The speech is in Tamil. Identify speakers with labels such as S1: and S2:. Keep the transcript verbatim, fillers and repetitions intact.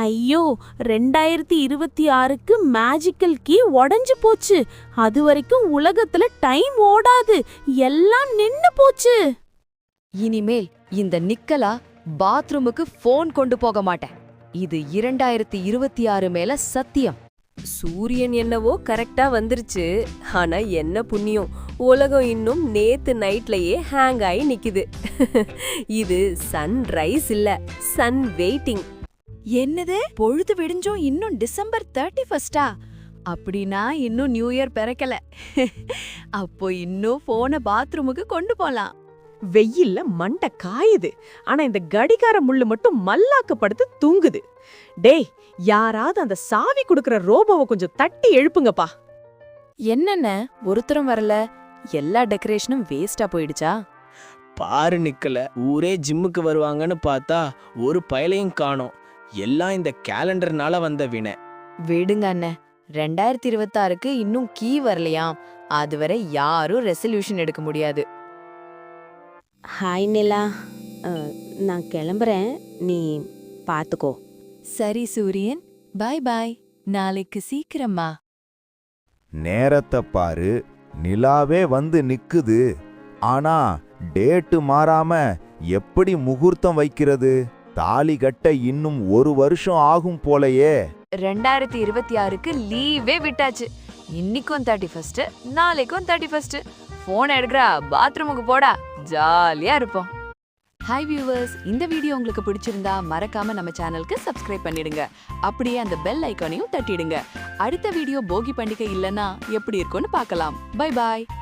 S1: ஐயோ, ரெண்டாயிரத்தி இருபத்தி ஆறுக்கு மேஜிக்கல் கீ உடைஞ்சு போச்சு. அது வரைக்கும் உலகத்துல டைம் ஓடாது, எல்லாம் நின்னு போச்சு.
S2: இனிமேல் இந்த நிக்கலா பாத்ரூமுக்கு போன் கொண்டு போக மாட்டேன். இது இரண்டாயிரத்தி இருபத்தி ஆறு மேல சத்தியம்.
S3: சூரியன் என்னவோ கரெக்டா வந்துருச்சு. ஆனா என்ன புண்ணியம், உலகம் இன்னும் நேத்து நைட்லயே ஹேங் ஆகி நிக்குது. இது சன்ரைஸ் இல்ல, சன் வெயிட்டிங்.
S4: என்னது, பொழுது விடிஞ்சும் இன்னும் டிசம்பர் தேர்ட்டி ஃபர்ஸ்டா? அப்படின்னா இன்னும் நியூ இயர் பிறக்கல. அப்போ இன்னும் போனை பாத்ரூமுக்கு கொண்டு போலாம்.
S5: வெயில்ல மண்டை காயுது, ஆனா இந்த கடிகார முள்ளு மட்டும் மல்லாக்க படுத்து தூங்குது. டேய், யாராவது அந்த சாவி குடுக்கற ரோபோவை கொஞ்சம் தட்டி எழுப்புங்கப்பா.
S6: என்னென்ன ஒருத்தரும் வரல, எல்லா டெக்கரேஷனும் வேஸ்டா போயிடுச்சா?
S7: பாரு நிக்கல, ஊரே ஜிம்முக்கு வருவாங்கன்னு பார்த்தா ஒரு பயலையும் காணோம். எல்லாம் இந்த கேலண்டர்னால வந்த வினை.
S6: விடுங்க அண்ணே, ரெண்டாயிரத்தி இருபத்தாறுக்கு இன்னும் கீ வரலையாம். அதுவரை யாரும் ரெசல்யூஷன் எடுக்க முடியாது.
S1: ஹாய் நிலா, நான் கிளம்புறேன், நீ பாத்துக்கோ.
S4: சரி சூரியன், பாய் பாய். நாளைக்கு சீக்கிரமா.
S8: நேரத்தை பாரு, நிலாவே வந்து நிக்குது. ஆனா டேட்டு மாறாம எப்படி முகூர்த்தம் வைக்கிறது? தாலி கட்ட இன்னும் ஒரு வருஷம் ஆகும் போலயே.
S6: ரெண்டாயிரத்தி இருபத்தி ஆறுக்கு லீவே விட்டாச்சு. இன்னைக்கும் தேர்ட்டி ஃபர்ஸ்ட், நாளைக்கும் தேர்ட்டி ஃபர்ஸ்ட். போன் எடுக்கிறா, பாத்ரூமுக்கு போடா, ஜாலியா இருப்போம்.
S4: ஹாய் வியூவர்ஸ், இந்த வீடியோ உங்களுக்கு பிடிச்சிருந்தா மறக்காம நம்ம சேனலுக்கு சப்ஸ்கிரைப் பண்ணிடுங்க. அப்படியே அந்த பெல் ஐகானையும் தட்டிடுங்க. அடுத்த வீடியோ போகி பண்டிகை இல்லனா எப்படி இருக்கும்னு பார்க்கலாம். பை பாய்.